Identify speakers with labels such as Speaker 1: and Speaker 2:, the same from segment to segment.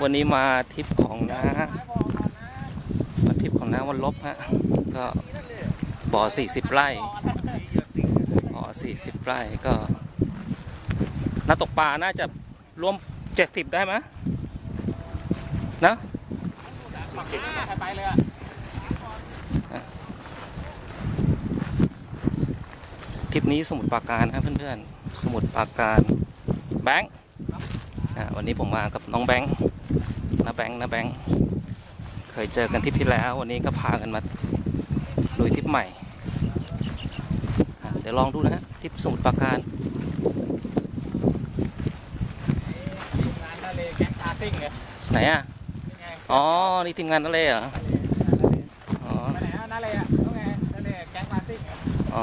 Speaker 1: วันนี้มาทริปของน้าวันลบฮะก็บ่อ40 ไร่บ่อ40 ไร่ก็น่าตกปลาน่าจะรวม70ได้ไหมนะทริปนี้สมุทรปราการครับเพื่อนๆสมุทรปราการแบงค์วันนี้ผมมากับน้องแบงค์นะแบงค์เคยเจอกันทริปที่แล้ววันนี้ก็พากันมาลุยทริปใหม่เดี๋ยวลองดูนะฮะทริปสมุทรปราการไหนอ่ะอ๋อนี่ทีมงานนั่นเลยเหรออ๋อไปไหนนั่นเลยอ่ะนั่นไงนั่นเลยแก๊งปาร์ตี้อ๋อ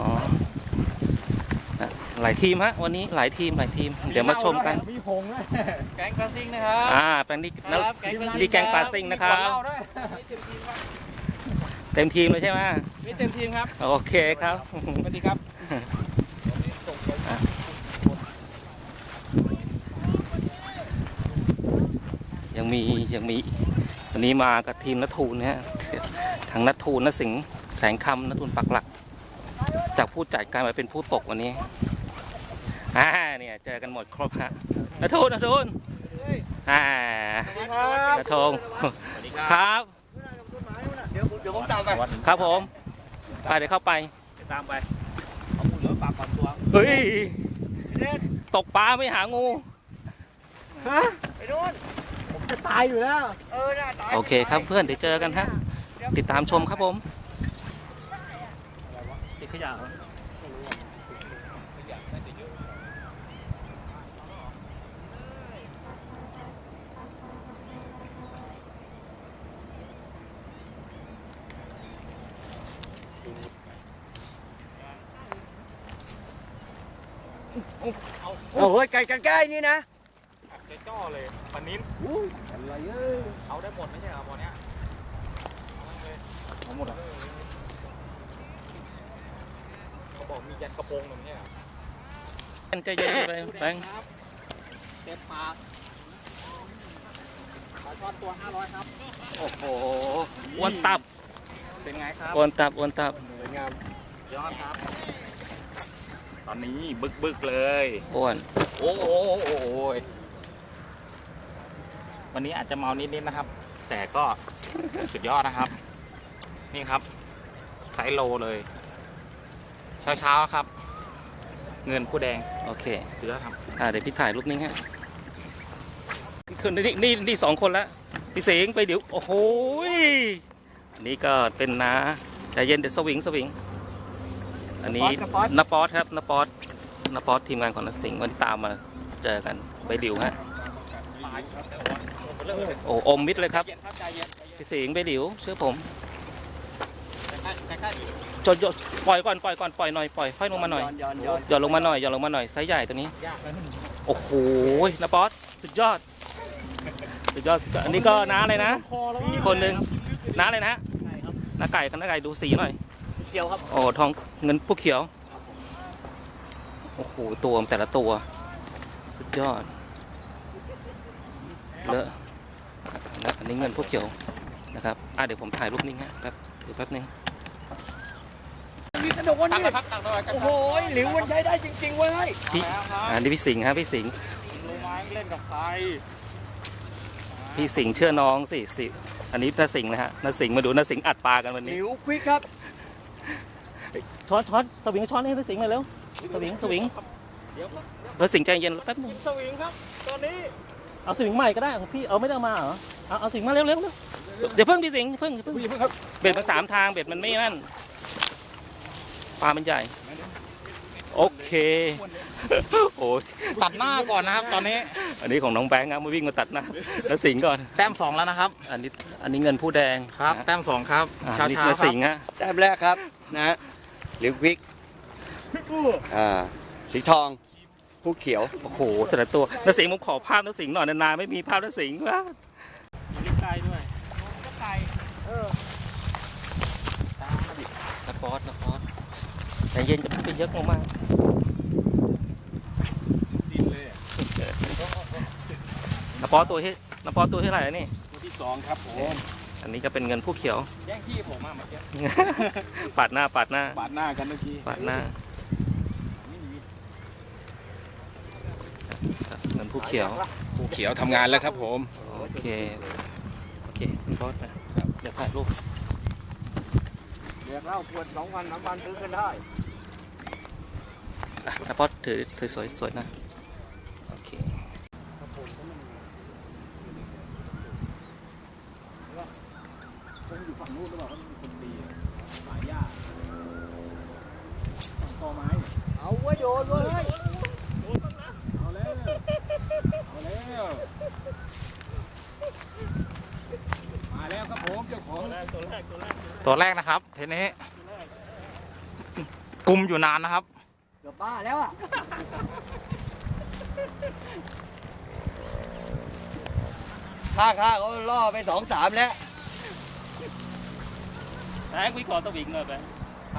Speaker 1: หลายทีมฮะวันนี้หลายทีมเดี๋ยวมาชมกันมีพงด้วยแก๊งปาร์ตี้นะครับแก๊งนี่แก๊งปาร์ตี้นะครับเต็มทีมเลยใช่ไหมมีเต็มทีมครับโอเคครับสวัสดีครับยังมีวันนี้มากับทีมนัททูลนะฮะทางนัททูลนสิงห์แสงคำนัททูลปักหลักจากผู้จัดกลายมาเป็นผู้ตกวันนี้เนี่ยเจอกันหมดครบฮะนัททูลนัทธงครับเดี๋ยวผมตามไปครับผมไปเดี๋ยวเข้าไปตามไปเอามือเหลือปากก่อนตัวเฮ้ยตกปลาไม่หางูฮะไปโน่นผมจะตายอยู่แล้วโอเคครับเพื่อนเดี๋ยวเจอกันฮะติดตามชมครับผมติดขยะ
Speaker 2: โอ้ยไก่ใกล้ๆนี่นะ
Speaker 3: จ่อเลยปันนิ้นอะไรเอาได้หมดไม่ใช่เหรอพอเนี้ยเอาหมดอ่ะเขาบอกมียันกระโปรงตรงนี้อ่ะ
Speaker 1: ใจเย็นไปแบงค์
Speaker 3: เต็มปากปลาช่อนตัว500ครับ
Speaker 1: โอ้โหอ้วนตับ
Speaker 3: เป็นไงครับ
Speaker 1: อ้วนตับ
Speaker 3: สวยงามยอดครับตอนนี้บึกเลย
Speaker 1: อ้วน
Speaker 3: โอ้ยวันนี้อาจจะเมานิดนะครับแต่ก็สุดยอดนะครับนี่ครับไซส์โลเลยเช้าครับเงินผู้แดง
Speaker 1: โอเค
Speaker 3: สุดยอดครับ
Speaker 1: เดี๋ยวพี่ถ่ายรูปนี้ฮะนี่2 คนละพี่เสงไปเดี๋ยวโอ้โหนี่ก็เป็นน้าใจเย็นเดี๋ยวสวิงอันนี้นาป๊อตครับนาป๊อตทีมงานของนักสิงห์วันที่ตามมาเจอกันใบดิวฮะโอ้อมมิดเลยครับพี่สิงห์ใบดิวเชื่อผมจดปล่อยก่อนปล่อยหน่อยค่อยลงมาหน่อยย่อลงมาหน่อยไซส์ใหญ่ตัวนี้โอ้โหนาป๊อตสุดยอดอันนี้ก็น้าเลยนะอีกคนนึงน้าเลยนะน้าไก่ดูสีหน่อย
Speaker 3: เขียวครับ
Speaker 1: โอ้ทองเงินผู้เขียวโอ้โหตัวแต่ละตัวสุดยอดเลอะอันนี้เงินผู้เขียวนะครับเดี๋ยวผมถ่ายรูปนิ่งฮะครับเดี๋ยวแป๊บนึง
Speaker 2: มีกระโดดนี่โอ้โหหลิวมันใช้ได้จริงๆเว้ย
Speaker 1: นี่พี่สิงห์ครับพี่สิงห์
Speaker 3: รู้ไหมเล่นกับใคร
Speaker 1: พี่สิงห์เชื่อน้องสิอันนี้น้าสิงห์นะฮะน้าสิงห์มาดูน้าสิงห์อัดปลากันวันนี้
Speaker 2: หลิวควิกครับ
Speaker 1: ช้อนสวิงช้อนให้น้าสิงห์มาเร็วสวิงน้าสิงห์ใจเย็นแป๊บนึง
Speaker 3: สวิงครับตอนนี้
Speaker 1: เอาสวิงใหม่ก็ได้ของพี่เอาไม่ได้มาเหรอเอาสวิงมาเร็วเดี๋ยวเพิ่งพี่สิงห์เพิ่ง
Speaker 3: ครับ
Speaker 1: เบ็ดมัน3 ทางเบ็ดมันไม่นั่นปลามันใหญ่โอเคโอ้
Speaker 3: ตัดหน้าก่อนนะครับตอนนี้
Speaker 1: อันนี้ของน้องแบงค์ครับมาวิ่งมาตัดหน้าแล้วสิงห์ก่อน
Speaker 3: แต้ม2แล้วนะครับ
Speaker 1: อันนี้เงินผู้แดง
Speaker 3: ครับแต้ม2ครับ
Speaker 1: ชาสิงห์ฮะ
Speaker 2: แต้มแรกครับนะหลิวควิกสีทองผู้เขียว
Speaker 1: โอ้โหแต่ละตัวน้าสิงห์ผมขอภาพน้าสิงห์หน่อยนานๆไม่มีภาพน้าสิงห์วะ
Speaker 3: ไก่ด้วยไก่
Speaker 1: นาป๊อตแต่เย็นจะเป็นเยอะมากนาป๊อตตัวน้ำปอตัวเท่าไหร่นี่
Speaker 2: ตัวที่2ครับผม
Speaker 1: อันนี้ก็เป็นเงินผู้เขียว
Speaker 2: แย่งที่ผมมาเมื่อกี้
Speaker 1: ปาดหน้า
Speaker 2: ปาดหน้ากันเมื่อกี้
Speaker 1: ปาดหน้าเงินผู้เขียว
Speaker 2: ผู้เขียวทำงานแล้วครับผม
Speaker 1: โอเคคุณบอสนะเดี๋ยวถ่ายรูป
Speaker 2: เรียกเล่าขวด2,000 3,000ซื้อกันได้
Speaker 1: ถ้าบอสถือสวยๆนะโอเค
Speaker 2: ผมอยู่ฝั่งนู้นหรือเปล่าเขามีคนดีสายหญ้าต่อไม้เอาไว้โยนเลยเอาแล้วมาแล้วครับผมเจ้าของ
Speaker 3: ตัวแรกนะครับทีนี้กุมอยู่นานนะครับ
Speaker 2: เกือบบ้าแล้วอ่ะข้าเขาล่อไป2-3แล้ว
Speaker 1: แบงค์วิขอตะวิงหน่อยแบงค์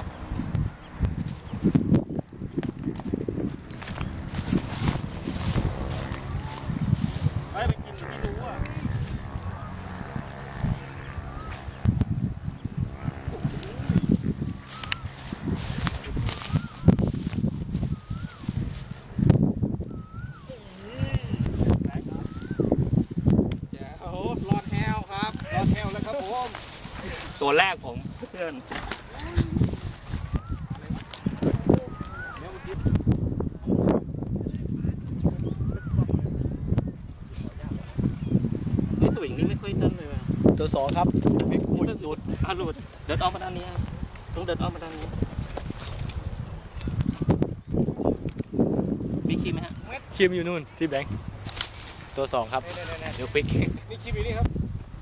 Speaker 1: ไปกินที่รู้อ่ะ
Speaker 2: โอ้โหรอดแฮวครับรอดแฮวแล้วครับผม
Speaker 1: ตัวแรกผมเพื่อนนี่ตะวิงนี่ไม่ค่อยนั่นเลยว่ะ
Speaker 2: ตัว2ครับ
Speaker 1: หลุดหลุดเดินออกมาด้านนี้ครับต้องเดินออกมาด้านนี้มีครีมไหมฮะ
Speaker 2: คิมอยู่นู่นที่แบงค์ตัว2ครับเดี๋ยวปิกนี่คิมอยู่นี่ครับ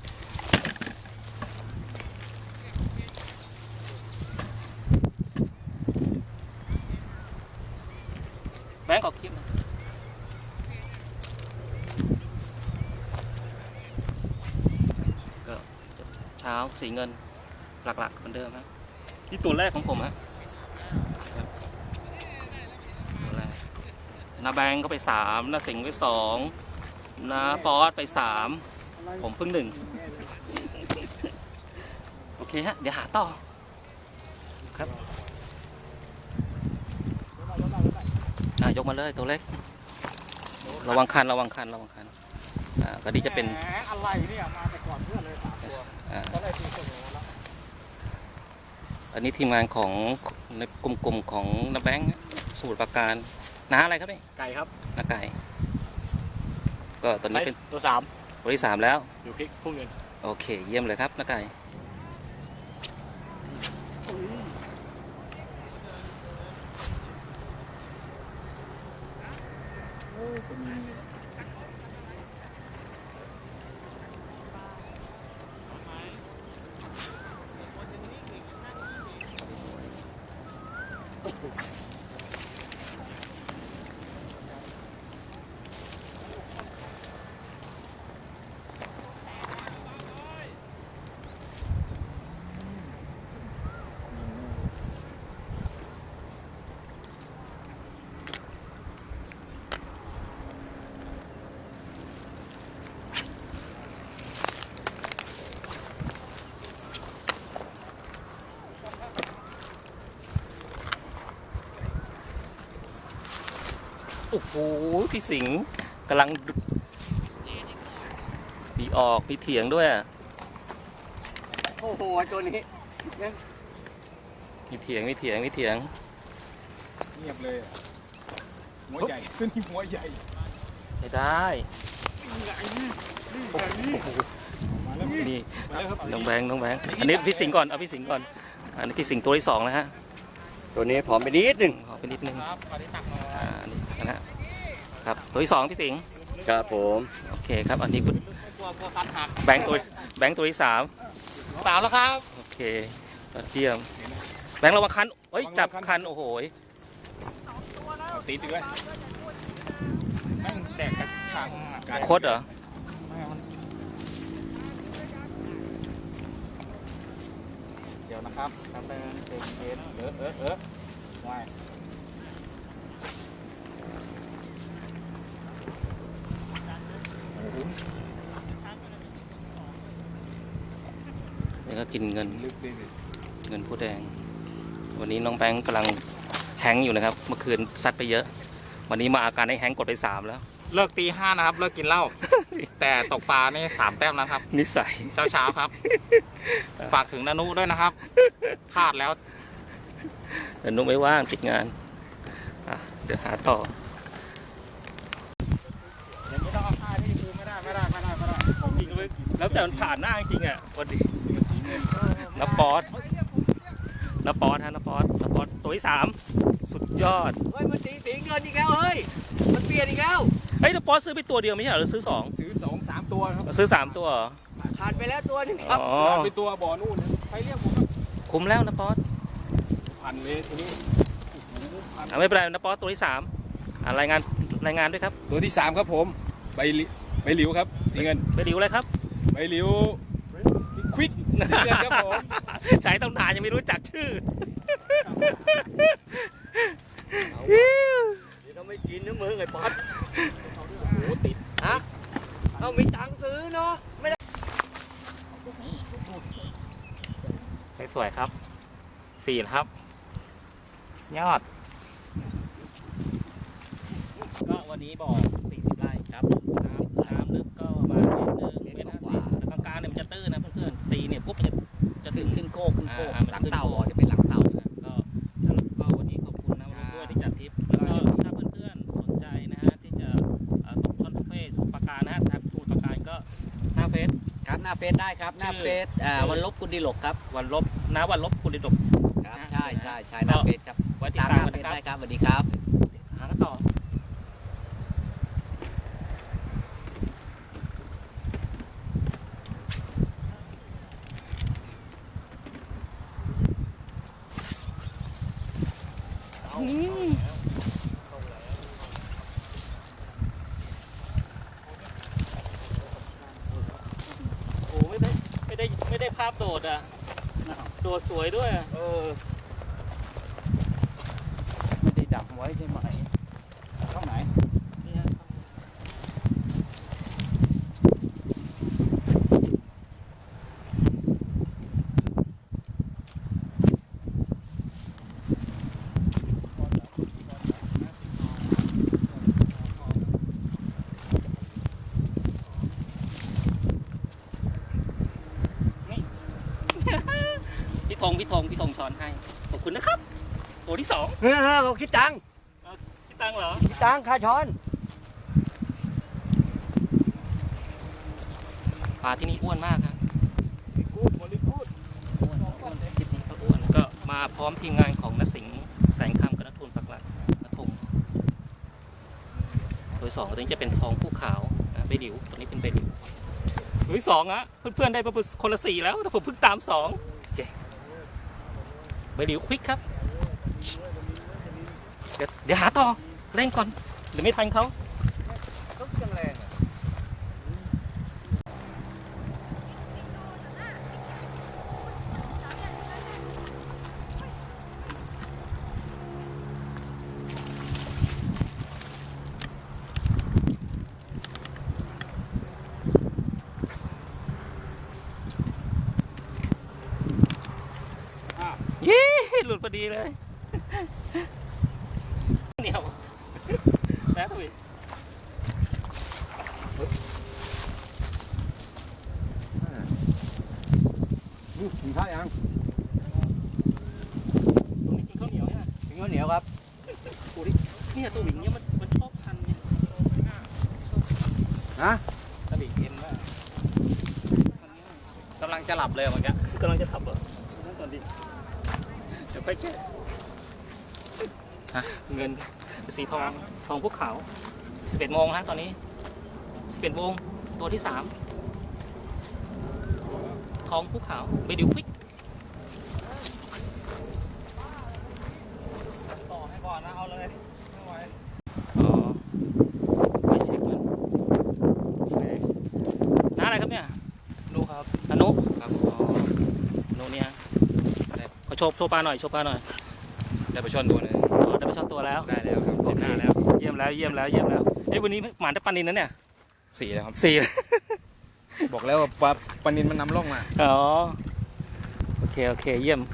Speaker 1: แบงค์ขอครีมนะก็เช้าสีเงินหลักๆเหมือนเดิมครับที่ตัวแรกของผมฮะตัวแรกนาแบงค์ก็ไป3นาสิงห์ไป2นาปอสไป3ผมเพิ่ง1โอเคฮะเดี๋ยวหาต่อครับยกมาเลยตัวเล็กระวังคันก็ดีจะเป็น
Speaker 2: อะไรเนี่ยมาแต่ก่อนเพื่อนเลยก็ได้ทีเสมอแล้ว
Speaker 1: อันนี้ทีมงานของในกลุ่มของน้าแบงค์สมุทรปราการน้าอะไรครับนี่
Speaker 2: ไก่ครับ
Speaker 1: น้าไก่ก็ตอนนี้เป็น
Speaker 2: ตัว
Speaker 1: ตัวที่3แล้ว
Speaker 2: 3อยู่พริกพุ่งเงิน
Speaker 1: โอเคเยี่ยมเลยครับน้าไก่โอ้โหพี่สิงห์กำลังมีออกมีเถียงด้วยอะ
Speaker 2: โอ้โหตัวนี้
Speaker 1: มีเถียง
Speaker 2: เงียบเลยหัวใหญ่ตัวนี้หัวใหญ่
Speaker 1: ใช้ได้นี่น้องแบงค์อันนี้พี่สิงห์ก่อนเอาพี่สิงห์ก่อนอันนี้พี่สิงห์ตัวที่2นะฮะ
Speaker 2: ตัวนี้ผอมไปนิดนึง
Speaker 1: ขอไปนิดนึง
Speaker 3: ครับขอที่ตักหน่อย
Speaker 1: นี่นะฮะครับตัวที่2พี่สิงห์
Speaker 2: ครับผม
Speaker 1: โอเคครับอันนี้คุณ
Speaker 3: กลัวคันหัก
Speaker 1: แบงค์ตัวที่3
Speaker 3: 3แล้วครับ
Speaker 1: โอเคยอดเยี่ยมแบงค์ระวังคันเฮ้ยจับคันโอ้โห
Speaker 2: ตีด้วย
Speaker 3: แม่งแดกกระถัง
Speaker 1: โคตรเหรอ
Speaker 3: เดี๋ยวนะครับทำเป็นเย็นว่าย
Speaker 1: ก็กินเงินผู้แดงวันนี้น้องแบงค์กำลังแฮงก์อยู่นะครับเมื่อคืนซัดไปเยอะวันนี้มาอาการให้แฮงก์กดไป3แล้ว
Speaker 3: เลิกตี 5นะครับเลิกกินเหล้า แต่ตกปลานี่3 แต้มแล้วครับ
Speaker 1: นิสัย
Speaker 3: เช้าครับ ฝากถึงนานุด้วยนะครับพลาดแล้ว
Speaker 1: แต่นุ๊กไม่ว่างติดงานเดี๋ยวหาต่อ
Speaker 3: ยังไม่ต้องเอาผ้าที่ดูไม่ได้
Speaker 1: จริงเลยแล้วแต่มันผ่านหน้าจริงอ่ะวันนี้น้าป๊อตฮะน้าป๊อตตัวที่3สุดยอด
Speaker 2: เฮ้ยมันสีเงินอีกแล้วเฮ้ยมันเปลี่ยนอีกแล้ว
Speaker 1: เฮ้ยน้าป๊อตซื้อไปตัวเดียวไม่ใช่หรือซื้อ
Speaker 3: 2-3 ตัวครับ
Speaker 1: ซื้อ3ตัว
Speaker 2: ผ่านไปแล้วตัวนึงครับ
Speaker 3: ผ่านไปตัวบ่อนู่นใครเรียกผม
Speaker 1: คุ้มแล้วน้าป๊อต
Speaker 3: ผ่านเลยทีนี้
Speaker 1: ไม่เป็นไรน้าป๊อตตัวที่3รายงานด้วยครับ
Speaker 3: ตัวที่3ครับผมใบหลิวครับสีเงิน
Speaker 1: ใบหลิวอะไรครับ
Speaker 3: ใบหลิวควิกสีเงินครับผม
Speaker 1: ใช้ต้องนานยังไม่รู้จักชื่อ
Speaker 2: เดี๋ยวเราไม่กินนะมึงไอ้ป๊อต
Speaker 3: โอ้ติด
Speaker 2: ฮะเอามีตังค์ซื้อเนาะไม่ได้
Speaker 3: สวยครับ4ครับยอด
Speaker 1: ก็วันนี้บอก40 ไร่ครับน้ำลึกก็ประมาณ1.50 เมตรแต่กลางๆเนี่ยมันจะตื้นนะเพื่อนๆตีเนี่ยปุ๊บจะถึงขึ้นโคก
Speaker 2: หลังเต่าจะเป็นหลังเต่า
Speaker 1: ก็วันนี้ขอบคุณนะด้วยที่จัดทริปแล้วก็ถ้าเพื่อนๆสนใจนะฮะที่จะตกช่อนบุฟเฟ่สมุทรปราการนะฮะทางสมุทรปราการก็หน้าเฟซ
Speaker 2: ครับหน้าเฟซได้ครับหน้าเฟซวันลบกุลดิลกครับ
Speaker 1: วันลบกุลดิลก
Speaker 2: ครับใช่หน้าเฟซครับ
Speaker 1: ไว้ติดตามกัน
Speaker 2: ได้ครับสวัสดีครับ
Speaker 1: หากันต่อโอ้ไม่ได้ภาพโดดอ่ะโดดสวยด้วย
Speaker 3: ไม่ได้ดักไว้ใช่ไหมช่องไหน
Speaker 1: พี่ธงช้อนให้ขอบคุณนะครับตัวที่2
Speaker 2: เขาคิดตังค์
Speaker 1: เหรอ
Speaker 2: คิดตังค์ค่าช้อน
Speaker 1: ปลาที่นี่อ้วนมากครับ
Speaker 3: คลิปนี้
Speaker 1: ก็อ้วนก็มาพร้อมทีมงานของณสิงห์แสงคำกับณทุนปักหลักณทงตัวที่2ตัวนี้จะเป็นทองผู้ขาวใบหลิวตัวนี้เป็นใบหลิวตัวที่2อะเพื่อนๆได้มาคนละ4แล้วแต่ผมเพิ่งตาม2ใบหลิวควิกครับเดี๋ยวหาต่อเร่งก่อนเดี๋ยวไม่ทันเขา
Speaker 2: จังแรง
Speaker 1: หลุดพอดีเลยเหนียวแล้วถุย
Speaker 3: กินข้าวยัง
Speaker 1: ตรงนี้กินข้าวเหนียวเนี่ย
Speaker 2: กินข้าวเหนียวครับ
Speaker 1: โอ้ยเนี่ยตัวหมิงเนี่ยมันชอบพันเนี่ย
Speaker 3: ฮะ
Speaker 1: ตะหลิงเอ็นว่าก
Speaker 3: ำลังจะหลับเลยเมื่อกี้
Speaker 1: กำลังจะทับเหรอนั่นตอนดีเดี๋ยวไปแก้เงินสีทองพวกขาว11 โมงฮะตอนนี้11 โมงตัวที่3ทองพวกขาวไปดิวควิก
Speaker 3: ต่อให้ก่อนนะเอาเลยไม่ไหว
Speaker 1: คอยเช็คมันน้าอะไรครับเนี่ย
Speaker 3: นุครับ
Speaker 1: อนุครับนุเนี่ยเขาโชว์ปลาหน่อย
Speaker 3: ได้ไปชนตัวเลย
Speaker 1: ได้ไปชนตัวแล้ว
Speaker 3: ได้แล้วครับหน้าแล้ว
Speaker 1: เยี่ยมแล้วเฮ้ยวันนี้หมานได้ปลานินนะเนี่ย
Speaker 3: 4แล้วครับ
Speaker 1: 4
Speaker 3: บอกแล้วว่าปลานินมันนำร่องมา
Speaker 1: อ๋อโอเคโอเคเยี่ยม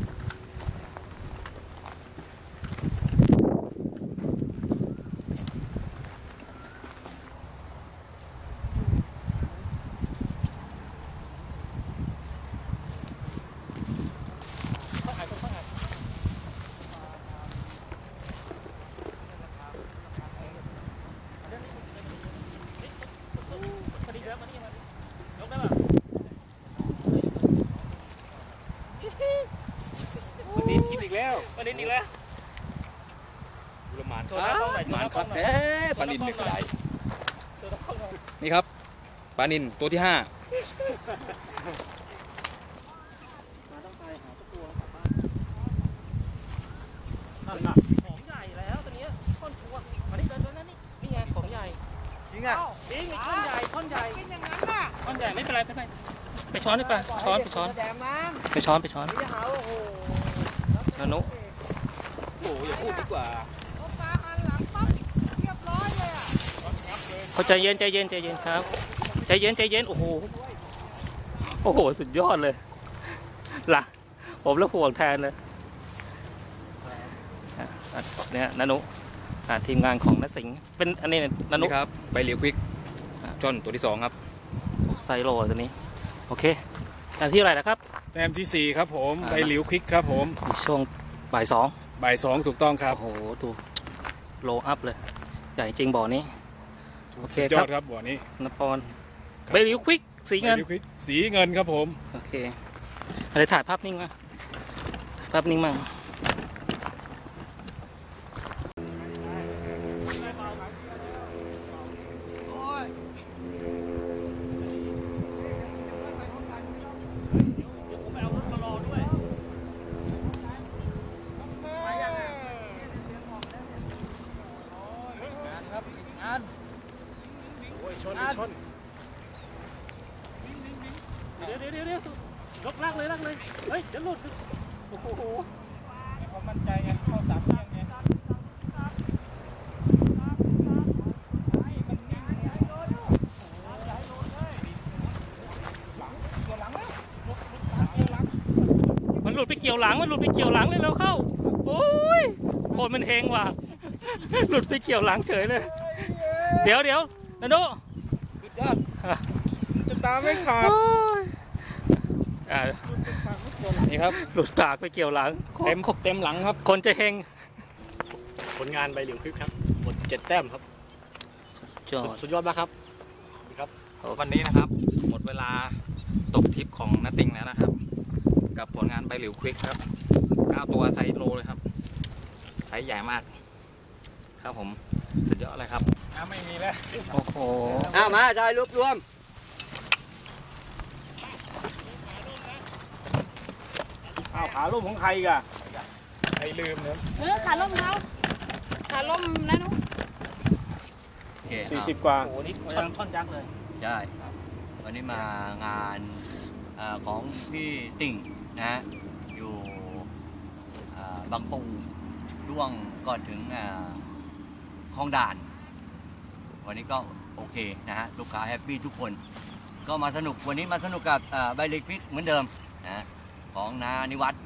Speaker 2: วันนี้กินอีกแล้ว
Speaker 1: วันนี้อีกแล้ว
Speaker 2: บุรมาน
Speaker 1: โทรศัพท์เข้าหน่อย
Speaker 2: หมานครับ
Speaker 1: โทรศัพท์เข้าหน่อย
Speaker 2: เอ๊ะปลานินเป็นไรนี่ครับปลานินตัวที่ 5
Speaker 1: ของใหญ่แล้วตัวนี้ก้อนชัวมานี่เดินนั่นนี่ไงของใหญ่
Speaker 2: จริงอ่ะ
Speaker 1: จริงก้อนใหญ่ก้อนใหญ่
Speaker 4: เป็นอย่างนั้นน่ะ
Speaker 1: ก้อนใหญ่ไม่เป็นไรไม่เป็นไรไปช้อนได้ปะช้อนไปช้อน
Speaker 4: แดงมั้ง
Speaker 1: ไปช้อนไปช้อน
Speaker 4: จะหาโอ้โห
Speaker 1: นานุ
Speaker 2: โอ้อย่าพูดดีกว่า
Speaker 4: เอาปลาหันหลังปั๊บเรียบร้อยเลยอ่ะ
Speaker 1: เขาใจเย็นใจเย็นใจเย็นครับใจเย็นใจเย็นโอ้โหโอ้โหสุดยอดเลยล่ะผมแล้วห่วงแทนเลยเนี่ยนานุทีมงานของนสิงห์เป็นอันนี้นานุ
Speaker 2: นี่ครับใบเหลียวควิกจอนตัวที่ 2 ครับ
Speaker 1: ไซโลตัวนี้โอเคแต่ที่อะไรนะครับ
Speaker 5: แต้มที่ 4 ครับผม
Speaker 1: อ่า
Speaker 5: ใบหลิวควิกครับผม
Speaker 1: ช่วงบ่ายสอง
Speaker 5: บ่าย 2 ถูกต้องครับ
Speaker 1: โอ้โหดูโลอัพเลยใหญ่จริงบ่อนี้โอเค
Speaker 5: สุดย
Speaker 1: ค
Speaker 5: อ
Speaker 1: รั
Speaker 5: ด
Speaker 1: บ
Speaker 5: ครับบ่อนี้
Speaker 1: นปอนใบหลิวควิกสีเงิน
Speaker 5: ใบหลิวควิกสีเงินครับผม
Speaker 1: โอเคอะไรถ่ายภาพนิ่งมาภาพนิ่งมั่งเดี๋ยวยกลากเลยเฮ้ยจะหลุดโอ้โห
Speaker 5: ความมั่นใจไงเข้าสามเรื่องไง
Speaker 1: มันหลุดไปเกี่ยวหลังเลยแล้วเข้าโอ้ยคนมันเฮงว่ะหลุดไปเกี่ยวหลังเฉยเลยเดี๋ยวนาโน
Speaker 2: สุดยอด
Speaker 5: จะตามไม่ขาด
Speaker 1: โอ้ยอ่า
Speaker 2: นี่ครับ
Speaker 1: หลุดปากไปเกี่ยวหลัง
Speaker 2: เต็มหลังครับ
Speaker 1: คนจะเฮง
Speaker 6: ผลงานใบเหลียวคลิปครับหมด7 แต้มครับ
Speaker 1: จอด
Speaker 6: สุดยอดมากครับ
Speaker 3: วันนี้นะครับ หมดเวลาตกทริปของนาติงแล้วนะครับ กับผลงานใบหลิวควิกครับ9 ตัวไซส์โลเลยครับไซส์ใหญ่มาก ครับผมสุดยอดเลยครับ
Speaker 5: น้ำไม่มีแล้ว
Speaker 1: โอ้โห
Speaker 2: มาได้รวบรวม
Speaker 5: อ้าวขาล่มของใครอีกอะใครลืมเนี่ย
Speaker 4: ขาล่มเขาขาล่มนะนุ๊ก
Speaker 2: โอเค
Speaker 5: 40 กว่า
Speaker 1: โอ้โหนี่ท่อนยักษ์เลย
Speaker 2: ใช่วันนี้มางานของพี่ติ่งนะฮะอยู่บางปูร่วงก่อนถึงคลองด่าน วันนี้ก็โอเคนะฮะลูกค้าแฮปปี้ทุกคน ก็มาสนุกวันนี้มาสนุกกับใบเหลียวควิกเหมือนเดิมนะของนานิวัฒน์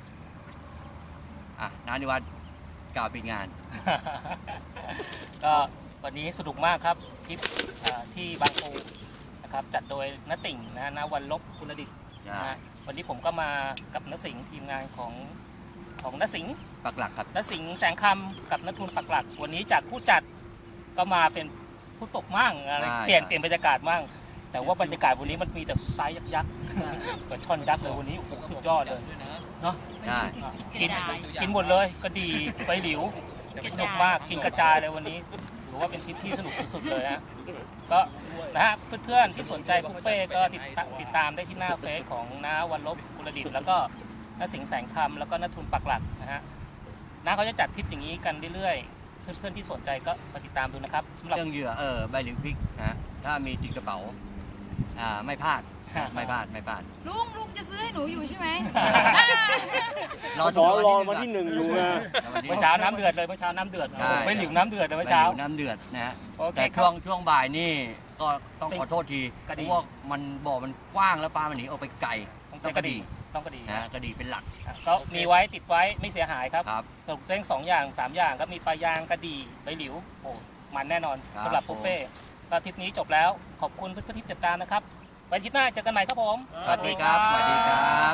Speaker 2: นานิวัฒน์กล่าวปิดงาน
Speaker 1: ก็วันนี้สนุกมากครับทริปที่บางปูนะครับจัดโดยนติ่งนะณวันลบกุลดิษฐ์นะฮะวันนี้ผมก็มากับนสิงห์ทีมงานของนสิงห์
Speaker 2: ปักหลักครับ
Speaker 1: นสิงห์แสงคำกับนทุนปักหลัก วันนี้จากผู้จัดก็มาเป็นผู้ตกมั่งอะไร
Speaker 2: ใช่
Speaker 1: เปลี่ยนบรรยากาศมั่งแต่ว่าบรรยากาศวันนี้มันมีแต่ไซส์ยักษ์ๆกับช่อนยักษ์เลยวันนี้โอ้โหสุดยอดเลยเนาะ
Speaker 2: ใช่
Speaker 1: กินหมดเลยก็ดีไปหลิวสนุกมากกินกระจายเลยวันนี้ถือว่าเป็นทริปที่สนุกสุดๆเลยฮะก็นะฮะเพื่อนๆที่สนใจบุฟเฟ่ก็ติดตามได้ที่หน้าเฟซของน้าวันลบกุลดิษฐ์แล้วก็น้าสิงห์แสงคำแล้วก็น้าทุนปักหลักนะฮะน้าเขาจะจัดทริปอย่างนี้กันเรื่อยๆเพื่อนๆที่สนใจก็มาติดตามดูนะครับสำหรับ
Speaker 2: เรื่องเหยื่อใบเหลียวพริกนะถ้ามีติดกระเป๋าไม่พลาดไม่พลาด
Speaker 4: ลุงจะซื้อให้หนูอยู่ใช่ไหม
Speaker 2: รอ
Speaker 5: รอวันที่ 1 อยู่นะ
Speaker 1: เมื่อเช้าน้ำเดือดเลยเมื่อเช้าน้ำเดือดไม่หลิวน้ำเดือดเลยเมื่อ
Speaker 2: เช้า
Speaker 1: เช้า
Speaker 2: น้ำเดือดนะฮะ
Speaker 1: โอเค
Speaker 2: แต่
Speaker 1: ครับ
Speaker 2: ช่วงบ่ายนี่ก็ต้องขอโทษที
Speaker 1: กระ
Speaker 2: เพ
Speaker 1: ดี่
Speaker 2: ราะว่ามันบ่อมันกว้างแล้วปลามันหนีออกไปไกล
Speaker 1: ต้องกระดีต้องกระดี
Speaker 2: นะกระดีเป็นหลัก
Speaker 1: ก็มีไว้ติดไว้ไม่เสียหายครับ
Speaker 2: ครับ
Speaker 1: สรุปเส้น2 อย่าง 3 อย่างก็มีปลายางกระดีใบหลิวโอ้มันแน่นอน
Speaker 2: ครับ
Speaker 1: สำหรับบุฟเฟ่ต์ก็ทริปนี้จบแล้วขอบคุณเพื่อนๆที่ติดตามนะครับไว้อาทิตย์หน้าเจอกันใหม่ครับผม
Speaker 2: สวัสดีครับสวัสดีครับ